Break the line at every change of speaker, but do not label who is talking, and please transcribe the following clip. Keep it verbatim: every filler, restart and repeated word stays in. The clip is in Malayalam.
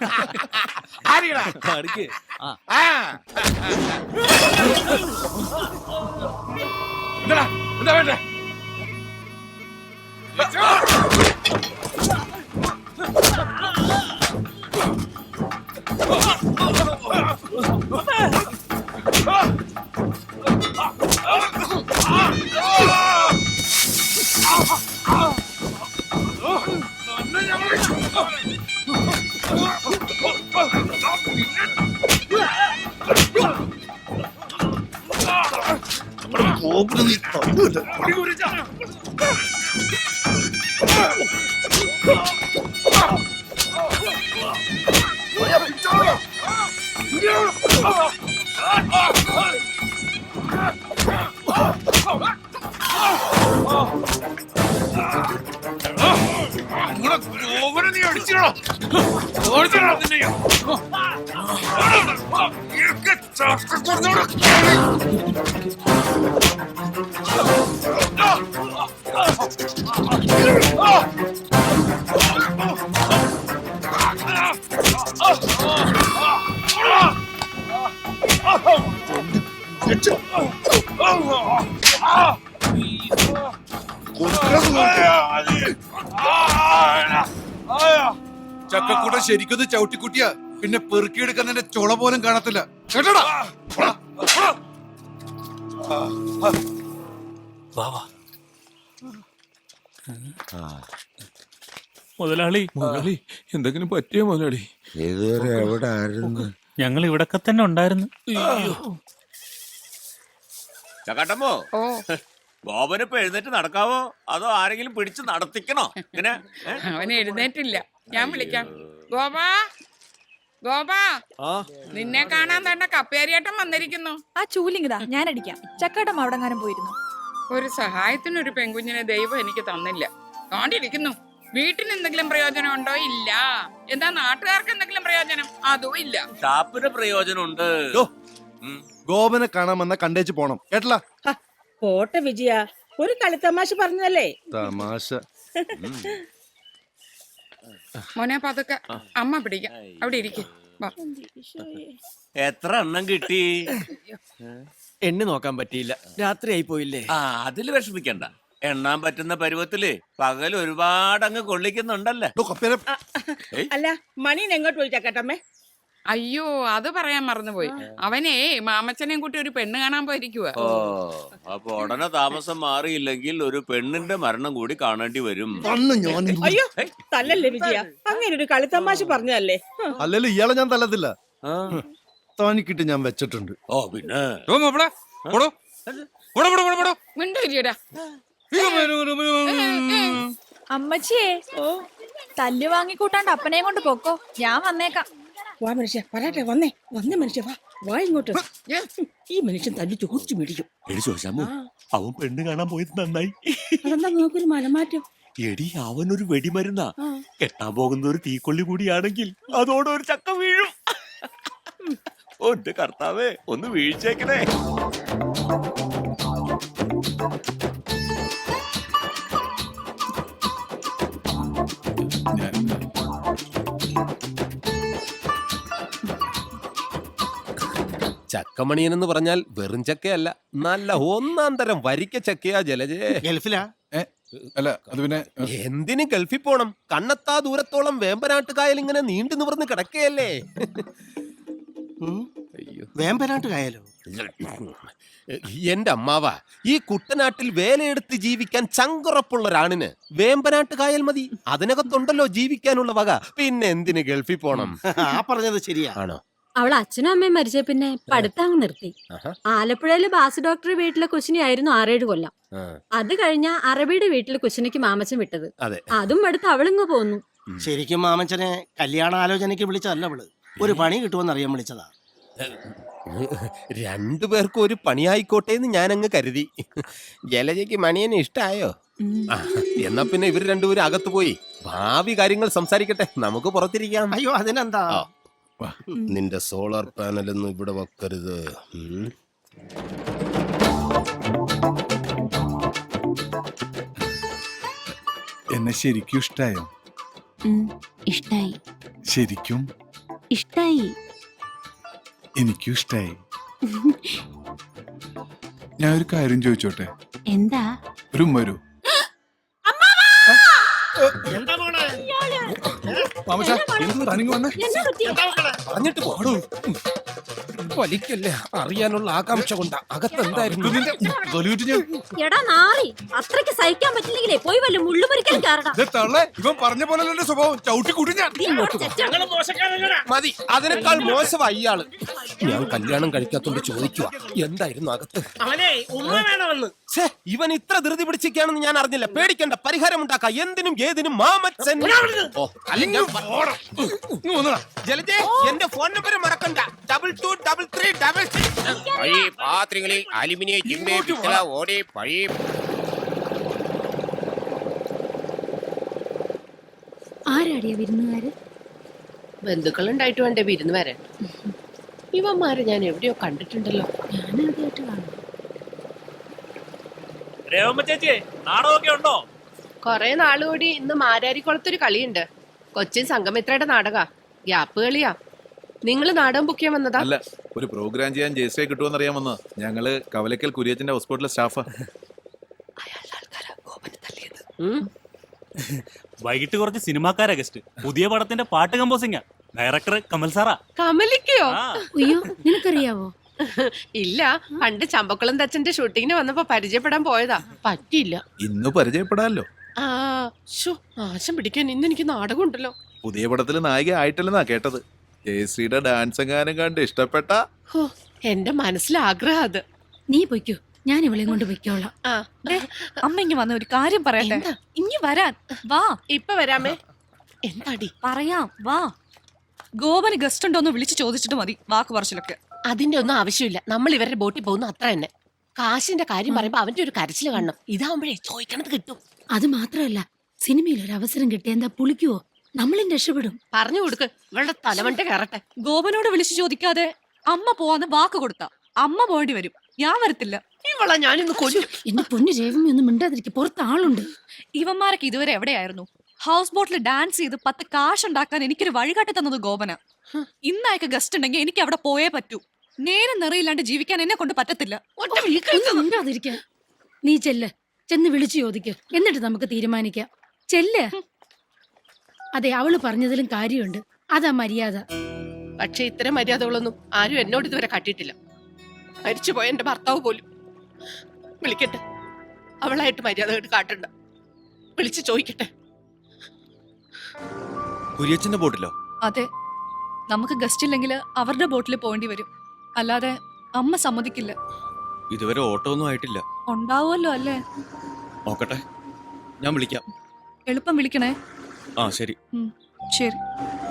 എന്താ എന്താ വേണ്ടേ? നീ അടിച്ചിടോ ചക്കക്കൂട്ട ശരിക്കൊന്ന് ചവിട്ടിക്കുട്ടിയ പിന്നെ പെറുക്കിയെടുക്കുന്നതിന്റെ ചുള പോലും കാണത്തില്ല കേട്ടോടാ.
മുതലാളി മുതലാളി എന്തെങ്കിലും പറ്റിയോ മുതലാളി?
ഇതുവരെ എവിടെ ആയിരുന്നു?
ഞങ്ങൾ ഇവിടൊക്കെ തന്നെ ഉണ്ടായിരുന്നു.
ചക്കാട്ടമ്മോ, ഗോപനിപ്പോ എഴുന്നേറ്റ് നടക്കാവോ അതോ ആരെങ്കിലും പിടിച്ച് നടത്തിക്കണോ? ഇങ്ങനെ
അവന് എഴുന്നേറ്റില്ല, ഞാൻ വിളിക്കാം. ഗോപാ, ഗോപാ, നിന്നെ കാണാൻ തന്നെ കപ്പേരിയേട്ടൻ വന്നിരിക്കുന്നു.
ആ ചൂലിങ്ങിതാ, ഞാൻ അടിക്കാം. ചക്കാട്ടം അവിടെങ്ങാനും പോയിരുന്നു.
ഒരു സഹായത്തിനൊരു പെൺകുഞ്ഞിനെ ദൈവം എനിക്ക് തന്നില്ല. കാണ്ടിരിക്കുന്നു. വീട്ടിന് എന്തെങ്കിലും പ്രയോജനം ഉണ്ടോ? ഇല്ല. എന്താ നാട്ടുകാർക്ക് എന്തെങ്കിലും പ്രയോജനം? അതും ഇല്ല.
ഷാപ്പിന് പ്രയോജനമുണ്ട്.
ഗോപനെ കാണാൻ വന്ന കണ്ടേച്ച് പോണം കേട്ടല്ല.
പോട്ടെ വിജയ, ഒരു കളിത്തമാശ പറഞ്ഞതല്ലേ.
തമാശ.
മോനെ പതുക്കെ, അമ്മ പിടിക്കാം. അവിടെ ഇരിക്കും.
എത്ര എണ്ണം കിട്ടി?
എണ്ണി നോക്കാൻ പറ്റിയില്ല, രാത്രി ആയി പോയില്ലേ.
ആ, അതില് വിഷമിക്കണ്ട. എണ്ണാൻ പറ്റുന്ന പരുവത്തില് പകൽ ഒരുപാട് അങ്ങ് കൊള്ളിക്കുന്നുണ്ടല്ലേ.
അല്ല, മണീൻ എങ്ങോട്ട് പോയി ചക്കട്ടമ്മേ?
അയ്യോ, അത് പറയാൻ മറന്നുപോയി. അവനേ മാമച്ചനെയും കൂട്ടി ഒരു പെണ്ണ് കാണാൻ പോയിരിക്കുക.
ഓ, അപ്പൊ ഉടനെ താമസം മാറിയില്ലെങ്കിൽ ഒരു പെണ്ണിന്റെ മരണം കൂടി കാണേണ്ടി വരും.
അയ്യോ, തല്ലല്ലേ വിജയ, അങ്ങനെ ഒരു കളിത്തമാശ പറഞ്ഞതല്ലേ.
അല്ലല്ലോ ഇയാളെ ഞാൻ തല്ലത്തില്ല, താനിക്കിട്ട് ഞാൻ വെച്ചിട്ടുണ്ട്.
ഓ പിന്നെ
അമ്മച്ചിയെ തല്ല് വാങ്ങിക്കൂട്ടാണ്ട് അപ്പനെയും കൊണ്ട് പൊക്കോ, ഞാൻ വന്നേക്കാം.
വാ മനുഷ്യ, പറയട്ടെ, വന്നേ വന്നേ മനുഷ്യ, വാ വാ ഇങ്ങോട്ട്. ഈ മനുഷ്യൻ തല്ലി ചോദിച്ചു മേടിക്കും.
അവൻ പെണ്ണ് കാണാൻ പോയത് നന്നായി.
അതെന്താ നോക്കൊരു മനമാറ്റം?
എടി, അവനൊരു വെടിമരുന്നാ. കെട്ടാൻ പോകുന്ന ഒരു തീക്കൊള്ളി കൂടിയാണെങ്കിൽ അതോടെ ഒരു ചക്ക വീഴും. ഒന്റെ കർത്താവേ, ഒന്ന് വീഴ്ചേക്കണേ.
ചക്കമണിയൻ എന്ന് പറഞ്ഞാൽ വെറും ചക്കയല്ല, നല്ല ഒന്നാം തരം വരിക്ക ചക്കയാ ജലജേ.
ഗൾഫിലാ? അല്ല, അത് പിന്നെ
എന്തിന് ഗൾഫിൽ പോണം? കണ്ണത്താ ദൂരത്തോളം വേമ്പനാട്ടുകായൽ ഇങ്ങനെ നീണ്ടു നിവർന്ന് കിടക്കുകയല്ലേ.
വേമ്പനാട്ട് കായലോ?
എന്റെ അമ്മാവ, ഈ കുട്ടനാട്ടിൽ വേലയെടുത്ത് ജീവിക്കാൻ ചങ്കുറപ്പുള്ള ഒരാണിന് വേമ്പനാട്ട് കായൽ മതി. അതിനകത്തുണ്ടല്ലോ ജീവിക്കാനുള്ള വക. പിന്നെ എന്തിന് ഗൾഫിൽ പോണം?
ആ പറഞ്ഞത് ശരിയാ.
ആണോ?
അവൾ അച്ഛനും അമ്മയും മരിച്ച പിന്നെ പഠിത്തം അങ്ങ് നിർത്തി. ആലപ്പുഴയില് ബാസ് ഡോക്ടർ വീട്ടിലെ കുശിനിയായിരുന്നു ആറേഴ് കൊല്ലം. അത് കഴിഞ്ഞ അറബിയുടെ വീട്ടിലെ കുശിനിക്ക് മാമച്ചൻ വിട്ടത്. അതും അടുത്ത് അവളിങ്ങ് പോന്നു.
ശരിക്കും മാമച്ചനെ കല്യാണ ആലോചനയ്ക്ക് വിളിച്ചതല്ല അവള്, ഒരു പണി കിട്ടുമെന്ന് അറിയാൻ വിളിച്ചതാ.
രണ്ടുപേർക്കും ഒരു പണിയായിക്കോട്ടെ എന്ന് ഞാൻ അങ്ങ് കരുതി. ജലജയ്ക്ക് മണിയനെ ഇഷ്ടായോ? എന്നാ പിന്നെ ഇവർ രണ്ടുപേരും അകത്ത് പോയി ഭാവി കാര്യങ്ങൾ സംസാരിക്കട്ടെ, നമുക്ക് പുറത്തിരിക്കാം.
അയ്യോ, അതിനെന്താ.
നിന്റെ സോളാർ പാനലൊന്നും ഇവിടെ വെക്കരുത്.
എന്നെ ശരിക്കും ഇഷ്ടായോ?
ഇഷ്ടായി.
ശരിക്കും?
ഇഷ്ടായി.
എനിക്കും ഇഷ്ടായി. ഞാൻ ഒരു കാര്യം ചോദിച്ചോട്ടെ?
എന്താ?
ഒരു ഉമ്മ വരൂ.
എന്താ മോളെ?
മാമച്ച തനിങ്ങ് വന്നേ.
പറഞ്ഞിട്ട് പോടൂ. വലിക്കല്ലേ, അറിയാനുള്ള ആകാംക്ഷ കൊണ്ടാ. അകത്തെന്തായിരുന്നു?
എടാ നാറി, അത്രയ്ക്ക് സഹിക്കാൻ പറ്റില്ലെങ്കിലേ പോയി വല്ല മുള്ളുമുറിക്കാൻ കാരണം.
തള്ളേ, ഇവൻ പറഞ്ഞ പോലെ എന്റെ സ്വഭാവം ചവിട്ടി കൂട്ടി ഞാൻ.
ഞങ്ങള് മോശക്കാരല്ലടാ.
മതി, അതിനേക്കാൾ മോശമായി ഇയാള്. ഞാൻ കല്യാണം കഴിക്കാത്തോണ്ട് ചോദിക്കുക, എന്തായിരുന്നു അകത്ത്?
അവനെ ഉമ്മ വേണമെന്ന്.
ഛേ, ഇവൻ ഇത്ര ധൃതി പിടിച്ചിരിക്കുകയാണെന്ന് ഞാൻ അറിഞ്ഞില്ല. പേടിക്കണ്ട, പരിഹാരം ഉണ്ടാക്കാം. എന്തിനും ഏതിനും മാമച്ചൻ. ഓ, അല്ലെങ്കിൽ ഞാൻ പ- ജലജേ, എന്റെ ഫോൺ നമ്പർ മറക്കണ്ട. Double two double three double
പഴയ പാത്രങ്ങളിൽ അലുമിനിയം ചിമ്മേ പിത്തള ഓടെ പഴയ
ആരാടിയ വിരുന്നുകാര്?
ബന്ധുക്കളുണ്ടായിട്ട് വേണ്ടേ വിരുന്ന് വരാൻ. ഇവന്മാരെ ഞാൻ എവിടെയോ കണ്ടിട്ടുണ്ടല്ലോ.
ഞാനാദ്യമായിട്ട് കാണും.
ചേച്ചി നാടകമൊക്കെ ഉണ്ടോ?
കൊറേ നാളുകൂടി ഇന്ന് മാരാരിക്കുളത്തൊരു കളിയുണ്ട്. കൊച്ചിൻ സംഗമിത്രയുടെ നാടക. ഗ്യാപ്പ് കളിയാ. നിങ്ങള് നാടകം ബുക്ക് ചെയ്യാൻ വന്നതാ?
അല്ല, ഒരു പ്രോഗ്രാം ചെയ്യാൻ ജയശ്രീ കിട്ടുമെന്ന് അറിയാൻ വന്ന. ഞങ്ങള് കവലക്കൽ കുര്യച്ചന്റെ ഹോസ്പിറ്റലിലെ സ്റ്റാഫാ.
വൈകിട്ട് കുറച്ച് സിനിമാക്കാരാ ഗസ്റ്റ്. പുതിയ പടത്തിന്റെ പാട്ട് കമ്പോസിംഗാ. ഡയറക്ടർ കമൽ സാറാ.
കമലിക്കയോ?
അയ്യോ, നിനക്കറിയാവോ?
ഇല്ല, പണ്ട് ചമ്പക്കുളം തച്ചന്റെ ഷൂട്ടിങ്ങിന് വന്നപ്പോ പരിചയപ്പെടാൻ പോയതാ. പറ്റിയില്ല.
ഇന്ന് പരിചയപ്പെടാമല്ലോ.
ആ ശോ, നാശം പിടിക്കാൻ ഇന്ന് എനിക്ക് നാടകം ഉണ്ടല്ലോ.
പുതിയ പടത്തില് നായിക ആയിട്ടല്ലെന്നാ കേട്ടത്. ജയശ്രീയുടെ ഡാൻസ് എങ്ങാനും കണ്ട് ഇഷ്ടപ്പെട്ട.
ഹോ, എന്റെ മനസ്സിലെ ആഗ്രഹം അത്.
നീ പൊയ്ക്കോ, ഞാൻ ഇവളെയും കൊണ്ട് പൊയ്ക്കോളാം.
ആ
അമ്മ ഇങ്ങ് വന്ന ഒരു കാര്യം പറയട്ടെ.
എന്താ?
ഇങ്ങ് വരാൻ വാ.
ഇപ്പൊ വരാമേ. എന്താടി?
പറയാം വാ. ഗോപന് ഗസ്റ്റ് ഉണ്ടോന്ന് വിളിച്ചു ചോദിച്ചിട്ട് മതി വാക്ക് പറച്ചിലൊക്കെ.
അതിന്റെ ഒന്നും ആവശ്യമില്ല. നമ്മൾ ഇവരുടെ ബോട്ടിൽ പോകുന്നു, അത്ര തന്നെ. കാശിന്റെ കാര്യം പറയുമ്പോ അവന്റെ ഒരു കരച്ചില് കാണണം. ഇതാവുമ്പോഴേ ചോദിക്കണത് കിട്ടും.
അത് മാത്രമല്ല, സിനിമയിൽ ഒരു അവസരം കിട്ടിയ എന്താ പുളിക്കുവോ? നമ്മളും രക്ഷപ്പെടും.
പറഞ്ഞു കൊടുക്ക്, ഇവളുടെ തലമണ്ട കയറട്ടെ.
ഗോപനോട് വിളിച്ചു ചോദിക്കാതെ അമ്മ പോവാന്ന് വാക്ക് കൊടുത്ത അമ്മ പോകേണ്ടി വരും. ഞാൻ വരത്തില്ല.
ഇവളെ ഞാനിന്ന് കൊല്ലും.
എന്റെ പൊന്നു രേവമി ഒന്നും മിണ്ടാതിരിക്കും, പുറത്ത് ആളുണ്ട്.
ഇവന്മാരൊക്കെ ഇതുവരെ എവിടെയായിരുന്നു? ഹൗസ് ബോട്ടിൽ ഡാൻസ് ചെയ്ത് പത്ത് കാശ് ഉണ്ടാക്കാൻ എനിക്കൊരു വഴികാട്ടി തന്നത് ഗോപന. ഇന്നയക്ക് ഗസ്റ്റ് ഉണ്ടെങ്കിൽ എനിക്ക് അവിടെ പോയേ പറ്റൂ. നേരം നിറയില്ലാണ്ട് ജീവിക്കാൻ എന്നെ കൊണ്ട് പറ്റത്തില്ല.
ഒന്നും മിണ്ടാതിരിക്കാൻ. നീ ചെല്ല്, ചെന്ന് വിളിച്ചു ചോദിക്ക്, എന്നിട്ട് നമുക്ക് തീരുമാനിക്കാം. ചെല്ല്. അതെ, അവള് പറഞ്ഞതിലും കാര്യമുണ്ട്. അതാ മര്യാദ.
പക്ഷെ ഇത്തരം മര്യാദകളൊന്നും ആരും എന്നോട് ഇതുവരെ കാട്ടിയിട്ടില്ല. മരിച്ചുപോയ എന്റെ ഭർത്താവ് പോലും. വിളിക്കട്ടെ, അവളായിട്ട് മര്യാദ കേട്ട് കാട്ടണ്ട. വിളിച്ചു ചോദിക്കട്ടെ.
കുര്യച്ചന്റെ ബോട്ടിലോ?
അതെ, നമുക്ക് ഗസ്റ്റ് ഇല്ലെങ്കിൽ അവരുടെ ബോട്ടിൽ പോകേണ്ടി വരും. അല്ലാതെ അമ്മ സമ്മതിക്കില്ല.
ഇതുവരെ ഓട്ടോ ഒന്നും ആയിട്ടില്ല.
ഉണ്ടാവുമല്ലോ അല്ലേ?
നോക്കട്ടെ, ഞാൻ വിളിക്കാം.
എളുപ്പം വിളിക്കണേ.
ആ ശരി.
ശരി.